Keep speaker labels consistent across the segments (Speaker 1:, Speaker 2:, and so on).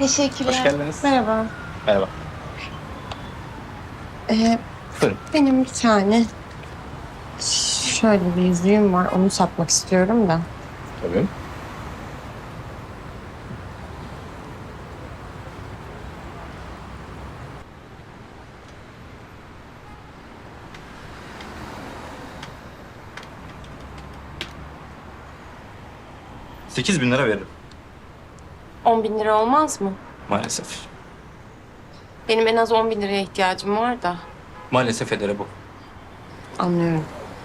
Speaker 1: Teşekkürler.
Speaker 2: Hoş geldiniz.
Speaker 1: Merhaba.
Speaker 2: Merhaba. Buyurun.
Speaker 1: Benim bir tane şöyle bir yüzüğüm var. Onu satmak istiyorum da.
Speaker 2: Tabii. $8.000 veririm.
Speaker 1: 10.000 lira olmaz mı?
Speaker 2: Maalesef.
Speaker 1: Benim en az 10.000 liraya ihtiyacım var da.
Speaker 2: Maalesef edere bu.
Speaker 1: Anlıyorum.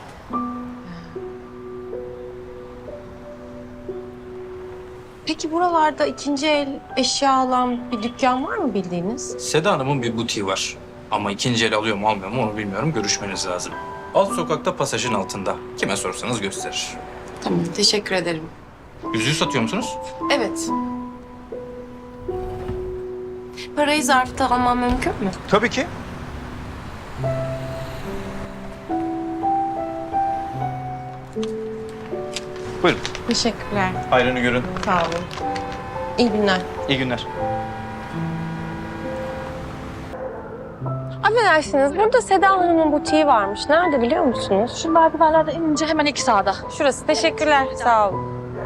Speaker 1: Peki buralarda ikinci el eşya alan bir dükkan var mı bildiğiniz?
Speaker 2: Seda Hanım'ın bir butiği var. Ama ikinci el alıyor mu almıyor mu onu bilmiyorum. Görüşmeniz lazım. Alt sokakta pasajın altında. Kime sorsanız gösterir.
Speaker 1: Tamam, teşekkür ederim.
Speaker 2: Yüzüğü satıyor musunuz?
Speaker 1: Evet. Parayı zarfta almam mümkün mü?
Speaker 2: Tabii ki. Buyurun.
Speaker 1: Teşekkürler.
Speaker 2: Hayrını görün.
Speaker 1: Sağ olun. İyi günler.
Speaker 2: İyi günler.
Speaker 1: Affedersiniz, burada Seda Hanım'ın butiği varmış. Nerede biliyor musunuz?
Speaker 3: Şu merdivenlerden inince hemen iki sağda.
Speaker 1: Şurası. Teşekkürler. Sağ olun.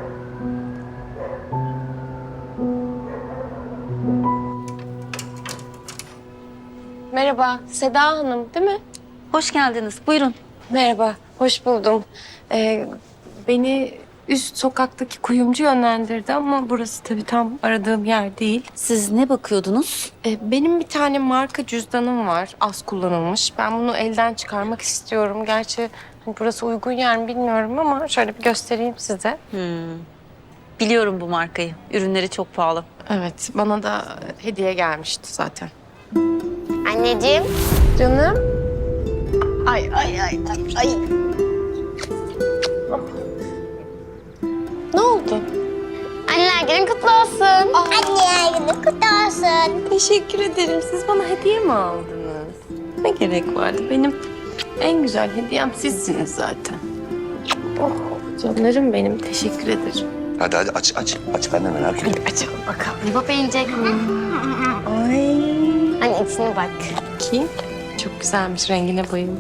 Speaker 1: Merhaba, Seda Hanım değil mi?
Speaker 3: Hoş geldiniz. Buyurun.
Speaker 1: Merhaba, hoş buldum. Beni üst sokaktaki kuyumcu yönlendirdi ama burası tabii tam aradığım yer değil.
Speaker 3: Siz ne bakıyordunuz?
Speaker 1: Benim bir tane marka cüzdanım var, az kullanılmış. Ben bunu elden çıkarmak istiyorum. Gerçi hani burası uygun yer mi bilmiyorum ama şöyle bir göstereyim size.
Speaker 3: Biliyorum bu markayı. Ürünleri çok pahalı.
Speaker 1: Evet, bana da hediye gelmişti zaten.
Speaker 4: Anneciğim.
Speaker 1: Canım.
Speaker 4: Ay.
Speaker 1: Ne oldu?
Speaker 4: Anneler günün kutlu olsun. Anneler günün kutlu olsun.
Speaker 1: Teşekkür ederim. Siz bana hediye mi aldınız? Ne gerek vardı? Benim en güzel hediyem sizsiniz zaten. Oh, canlarım benim. Teşekkür ederim.
Speaker 5: Hadi aç. Aç ben de merak ediyorum.
Speaker 1: Açalım bakalım.
Speaker 4: Baba yiyecek mi?
Speaker 1: Ay.
Speaker 4: Anne içine bak.
Speaker 1: Ki çok güzelmiş. Rengine bayıldım.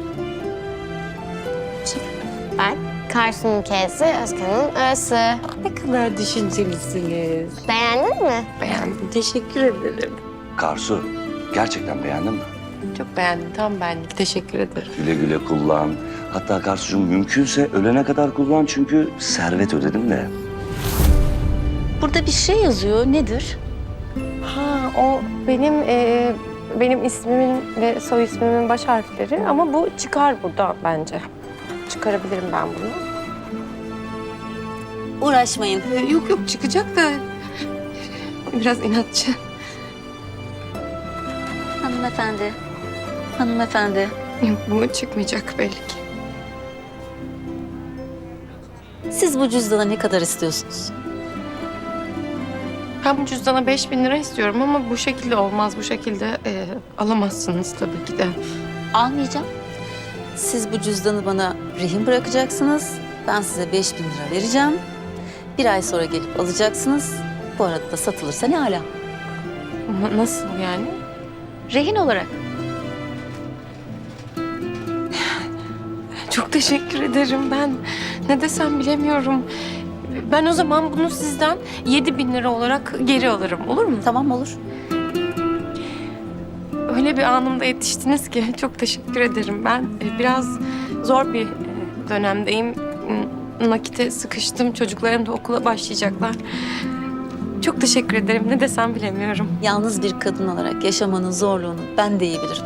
Speaker 4: Bak. Karsu'nun K'si, Özkan'ın Ö'sü.
Speaker 1: Ne kadar düşüncelisiniz.
Speaker 4: Beğendin mi?
Speaker 1: Beğendim. Teşekkür ederim.
Speaker 5: Karsu, gerçekten beğendin mi?
Speaker 1: Çok beğendim. Tam benlik. Teşekkür ederim.
Speaker 5: Güle güle kullan. Hatta Karsucuğum mümkünse ölene kadar kullan çünkü servet ödedim de.
Speaker 3: Burada bir şey yazıyor. Nedir?
Speaker 1: Ha, o benim ismimin ve soy ismimin baş harfleri ama bu çıkar burada bence. Çıkarabilirim ben bunu.
Speaker 3: Uğraşmayın.
Speaker 1: Yok çıkacak da biraz inatçı.
Speaker 3: Hanımefendi. Hanımefendi.
Speaker 1: Yok bu çıkmayacak belli ki.
Speaker 3: Siz bu cüzdana ne kadar istiyorsunuz?
Speaker 1: Ben bu cüzdana 5.000 lira istiyorum ama bu şekilde olmaz. Bu şekilde alamazsınız tabii ki de.
Speaker 3: Almayacağım. Siz bu cüzdanı bana rehin bırakacaksınız. Ben size 5.000 lira vereceğim. Bir ay sonra gelip alacaksınız. Bu arada da satılırsa ne âlâ.
Speaker 1: Nasıl yani?
Speaker 3: Rehin olarak.
Speaker 1: Çok teşekkür ederim. Ben ne desem bilemiyorum. Ben o zaman bunu sizden 7.000 lira olarak geri alırım. Olur mu?
Speaker 3: Tamam olur.
Speaker 1: Öyle bir anımda yetiştiniz ki çok teşekkür ederim. Ben biraz zor bir dönemdeyim. Nakite sıkıştım. Çocuklarım da okula başlayacaklar. Çok teşekkür ederim. Ne desem bilemiyorum.
Speaker 3: Yalnız bir kadın olarak yaşamanın zorluğunu ben de iyi bilirim.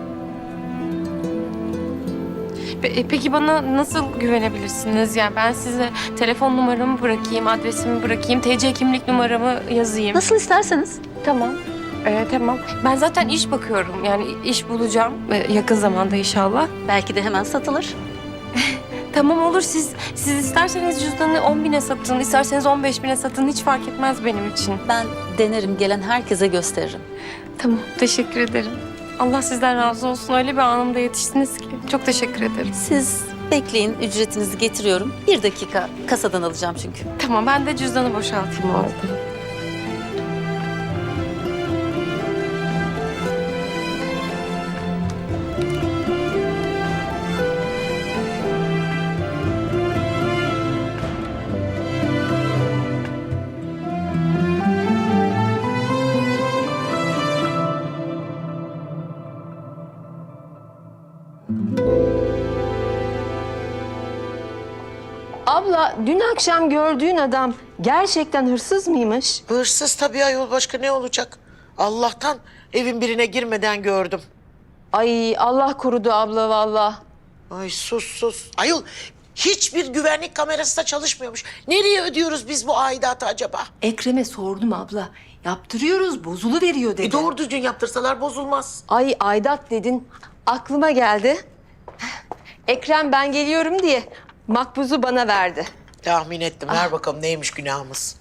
Speaker 1: Peki bana nasıl güvenebilirsiniz? Yani ben size telefon numaramı bırakayım, adresimi bırakayım, TC kimlik numaramı yazayım.
Speaker 3: Nasıl isterseniz.
Speaker 1: Tamam. Tamam. Ben zaten iş bakıyorum. Yani iş bulacağım yakın zamanda inşallah.
Speaker 3: Belki de hemen satılır.
Speaker 1: Tamam olur. Siz isterseniz cüzdanı 10.000'e satın, isterseniz 15.000'e satın. Hiç fark etmez benim için.
Speaker 3: Ben denerim, gelen herkese gösteririm.
Speaker 1: Tamam. Teşekkür ederim. Allah sizden razı olsun. Öyle bir anımda yetiştiniz ki. Çok teşekkür ederim.
Speaker 3: Siz bekleyin, ücretinizi getiriyorum. 1 dakika kasadan alacağım çünkü.
Speaker 1: Tamam. Ben de cüzdanı boşaltayım orada.
Speaker 6: Abla, dün akşam gördüğün adam gerçekten hırsız mıymış?
Speaker 7: Hırsız tabii ayol, başka ne olacak? Allah'tan evin birine girmeden gördüm.
Speaker 6: Ay Allah korudu abla vallahi.
Speaker 7: Ay sus. Ayol hiçbir güvenlik kamerası da çalışmıyormuş. Nereye ödüyoruz biz bu aidatı acaba?
Speaker 6: Ekrem'e sordum abla. Yaptırıyoruz, bozuluveriyor dedi.
Speaker 7: Doğru düzgün yaptırsalar bozulmaz.
Speaker 6: Ay aidat dedin, aklıma geldi. Ekrem ben geliyorum diye makbuzu bana verdi.
Speaker 7: Tahmin ettim. Ver bakalım neymiş günahımız.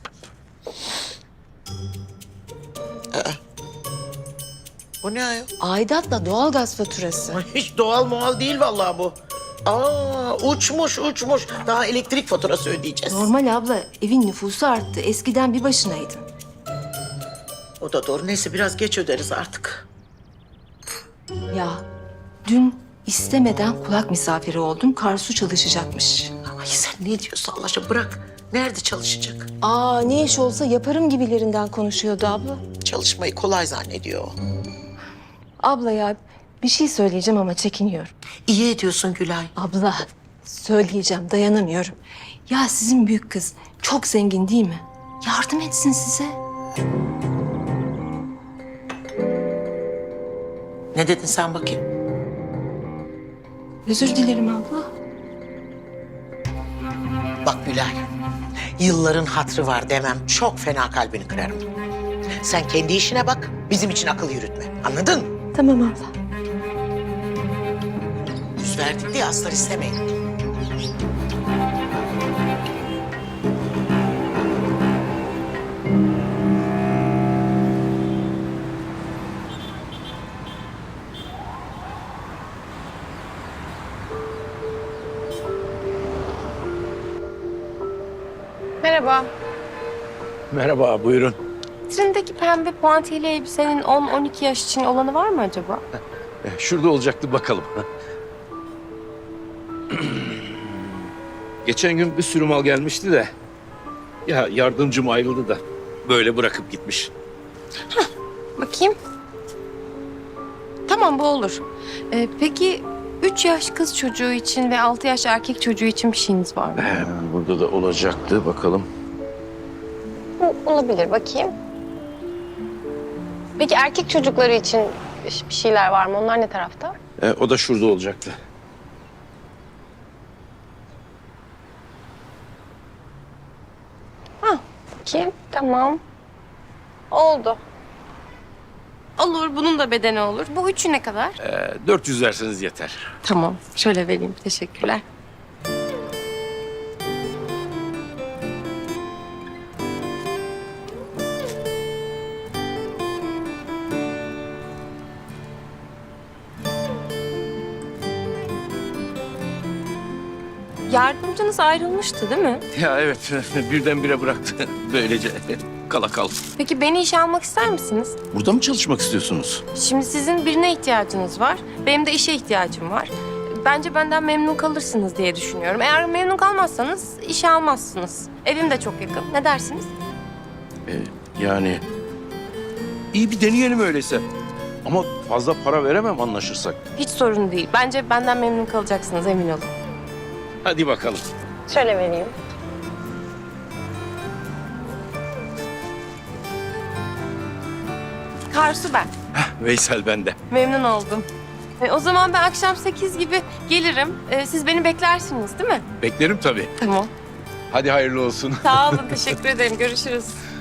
Speaker 7: Bu ne ayol?
Speaker 6: Aidatla doğalgaz faturası.
Speaker 7: Ay, hiç doğal muhal değil vallahi bu. Aa, uçmuş. Daha elektrik faturası ödeyeceğiz.
Speaker 6: Normal abla, evin nüfusu arttı. Eskiden bir başınaydın.
Speaker 7: O da doğru. Neyse biraz geç öderiz artık.
Speaker 6: Ya dün istemeden kulak misafiri oldum. Karsu çalışacakmış.
Speaker 7: Ay sen ne diyorsun Allah aşkına, bırak. Nerede çalışacak?
Speaker 6: Aa ne iş olsa yaparım gibilerinden konuşuyordu abla.
Speaker 7: Çalışmayı kolay zannediyor o.
Speaker 6: Abla ya bir şey söyleyeceğim ama çekiniyorum.
Speaker 7: İyi ediyorsun Gülay.
Speaker 6: Abla söyleyeceğim dayanamıyorum. Ya sizin büyük kız çok zengin değil mi? Yardım etsin size.
Speaker 7: Ne dedin sen bakayım?
Speaker 6: Özür dilerim abla.
Speaker 7: Bak Gülay, yılların hatrı var demem çok fena kalbini kırarım. Sen kendi işine bak, bizim için akıl yürütme. Anladın mı?
Speaker 6: Tamam abla.
Speaker 7: Yüz verdik diye aslar istemeyin.
Speaker 1: Merhaba.
Speaker 8: Merhaba, buyurun.
Speaker 1: Vitrindeki pembe puantiyeli elbisenin 10-12 yaş için olanı var mı acaba?
Speaker 8: Şurada olacaktı, bakalım. Geçen gün bir sürü mal gelmişti de... ...ya yardımcım ayrıldı da böyle bırakıp gitmiş.
Speaker 1: Bakayım. Tamam bu olur. Peki 3 yaş kız çocuğu için ve 6 yaş erkek çocuğu için bir şeyiniz var mı?
Speaker 8: Burada da olacaktı, bakalım.
Speaker 1: Olabilir bakayım. Peki erkek çocukları için bir şeyler var mı? Onlar ne tarafta?
Speaker 8: O da şurada olacaktı.
Speaker 1: Bakayım. Tamam. Oldu. Olur. Bunun da bedeni olur. Bu üçü ne kadar?
Speaker 8: 400 verseniz yeter.
Speaker 1: Tamam. Şöyle vereyim. Teşekkürler. Yardımcınız ayrılmıştı değil mi?
Speaker 8: Ya evet, birdenbire bıraktı. Böylece kala kal.
Speaker 1: Peki beni işe almak ister misiniz?
Speaker 8: Burada mı çalışmak istiyorsunuz?
Speaker 1: Şimdi sizin birine ihtiyacınız var. Benim de işe ihtiyacım var. Bence benden memnun kalırsınız diye düşünüyorum. Eğer memnun kalmazsanız işe almazsınız. Evim de çok yakın. Ne dersiniz?
Speaker 8: Yani... iyi bir deneyelim öyleyse. Ama fazla para veremem anlaşırsak.
Speaker 1: Hiç sorun değil. Bence benden memnun kalacaksınız emin olun.
Speaker 8: Hadi bakalım.
Speaker 1: Şöyle vereyim. Karsu ben.
Speaker 8: Veysel bende.
Speaker 1: Memnun oldum. O zaman ben akşam 8 gibi gelirim. Siz beni beklersiniz değil mi?
Speaker 8: Beklerim tabii.
Speaker 1: Tamam.
Speaker 8: Hadi hayırlı olsun.
Speaker 1: Sağ olun. Teşekkür ederim. Görüşürüz.